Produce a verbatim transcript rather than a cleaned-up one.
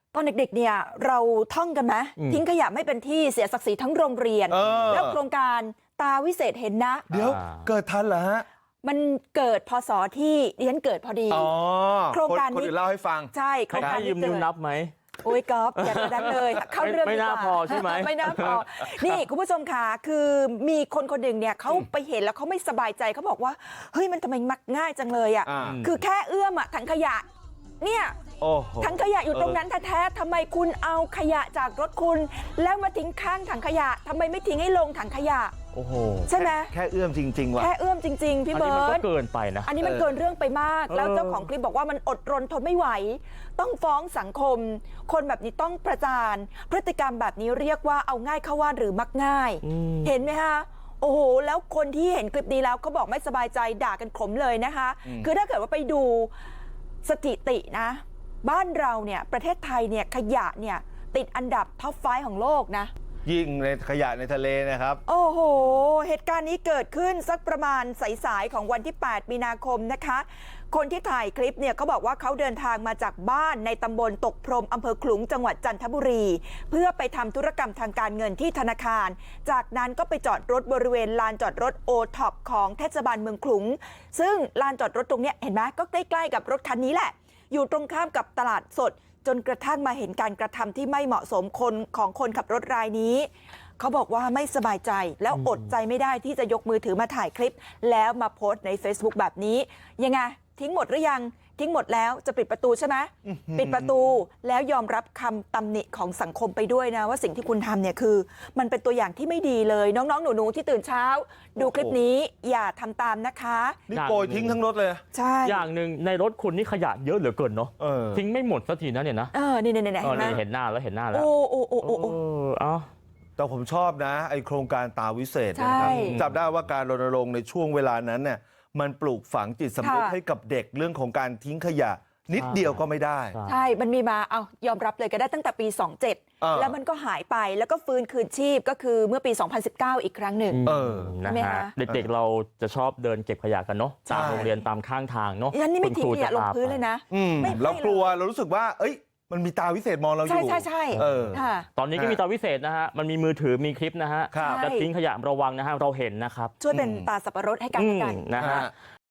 ตอนเด็กๆเนี่ยเราท่องกันไหมทิ้งขยะไม่เป็นที่เสียศักดิ์ศรีทั้งโรงเรียนแล้วโครงการตาวิเศษเห็นนะเดี๋ยวเกิดทันเหรอฮะมันเกิดพศที่ดิฉันเกิดพอดีโครงการนี้คนอื่นเล่าให้ฟังใช่โครงการนี้ยืมนิ้วนับไหมโอ้ยก๊อฟอย่าระดันเลยเข้าเรื่องไม่น่าพอใช่ไหมไม่น่าพอนี่คุณผู้ชมค่ะคือมีคนคนหนึ่งเนี่ยเขาไปเห็นแล้วเขาไม่สบายใจเขาบอกว่าเฮ้ยมันทำไมมักง่ายจังเลยอ่ะคือแค่เอื้อมอ่ะถังขยะเนี่ยถังขยะอยู่ตรงนั้นแท้ๆทำไมคุณเอาขยะจากรถคุณแล้วมาทิ้งข้างถังขยะทำไมไม่ทิ้งให้ลงถังขยะโอ้โหใช่ไหมแค่เอื้อมจริงๆว่ะแค่เอื้อมจริงๆพี่เบิร์ดอันนี้มันก็เกินไปนะอันนี้มันเกินเรื่องไปมากแล้วเจ้าของคลิปบอกว่ามันอดรนทนไม่ไหวต้องฟ้องสังคมคนแบบนี้ต้องประจานพฤติกรรมแบบนี้เรียกว่าเอาง่ายเข้าว่าหรือมักง่ายเห็นไหมคะโอ้โหแล้วคนที่เห็นคลิปนี้แล้วเขาบอกไม่สบายใจด่ากันขมเลยนะคะคือถ้าเกิดว่าไปดูสถิตินะบ้านเราเนี่ยประเทศไทยเนี่ยขยะเนี่ยติดอันดับท็อปไฟว์ของโลกนะยิ่งในขยะในทะเลนะครับโอ้โหเหตุการณ์นี้เกิดขึ้นสักประมาณสายๆของวันที่แปดมีนาคมนะคะคนที่ถ่ายคลิปเนี่ยเขาบอกว่าเขาเดินทางมาจากบ้านในตำบลตกพรมอำเภอขลุงจังหวัดจันทบุรีเพื่อไปทำธุรกรรมทางการเงินที่ธนาคารจากนั้นก็ไปจอดรถบริเวณลานจอดรถโอท็อปของเทศบาลเมืองขลุงซึ่งลานจอดรถตรงนี้เห็นไหมก็ใกล้ๆกับรถคันนี้แหละอยู่ตรงข้ามกับตลาดสดจนกระทั่งมาเห็นการกระทำที่ไม่เหมาะสมคนของคนขับรถรายนี้เขาบอกว่าไม่สบายใจแล้วอดใจไม่ได้ที่จะยกมือถือมาถ่ายคลิปแล้วมาโพสต์ใน Facebook แบบนี้ยังไงทิ้งหมดหรือยังทิ้งหมดแล้วจะปิดประตูใช่ไหมปิดประตูแล้วยอมรับคำตำหนิของสังคมไปด้วยนะว่าสิ่งที่คุณทำเนี่ยคือมันเป็นตัวอย่างที่ไม่ดีเลยน้องๆหนูๆที่ตื่นเช้าดูคลิปนี้อย่าทำตามนะคะนี่โกยทิ้งทั้งรถเลยใช่อย่างหนึ่งในรถคุณนี่ขยะเยอะเหลือเกินเนาะทิ้งไม่หมดสักทีนะเนี่ยนะเออนี่ๆๆเห็นหน้าแล้วเห็นหน้าแล้วโอ้โอ้โอ้โอ้เอ้าแต่ผมชอบนะไอโครงการตาวิเศษนะครับจับได้ว่าการรณรงค์ในช่วงเวลานั้นเนี่ยมันปลูกฝังจิตสำนึกให้กับเด็กเรื่องของการทิ้งขยะนิดเดียวก็ไม่ได้ใช่มันมีมาเอายอมรับเลยก็ได้ตั้งแต่ปีสองเจ็ดแล้วมันก็หายไปแล้วก็ฟื้นคืนชีพก็คือเมื่อปีสองพันสิบเก้าอีกครั้งหนึ่งเออนะฮะเด็กๆเราจะชอบเดินเก็บขยะกันเนาะตามโรงเรียนตามข้างทางเนาะยันนี่ไม่ทิ้งขยะลงพื้นเลยนะเรากลัวเรารู้สึกว่าเอ้ยมันมีตาวิเศษมองเราอยู่ใช่ใช่ใช่ตอนนี้ก็มีตาวิเศษนะฮะมันมีมือถือมีคลิปนะฮะจะทิ้งขยะระวังนะฮะเราเห็นนะครับช่วยเป็นตาสับปะรดให้กันกันนะฮะ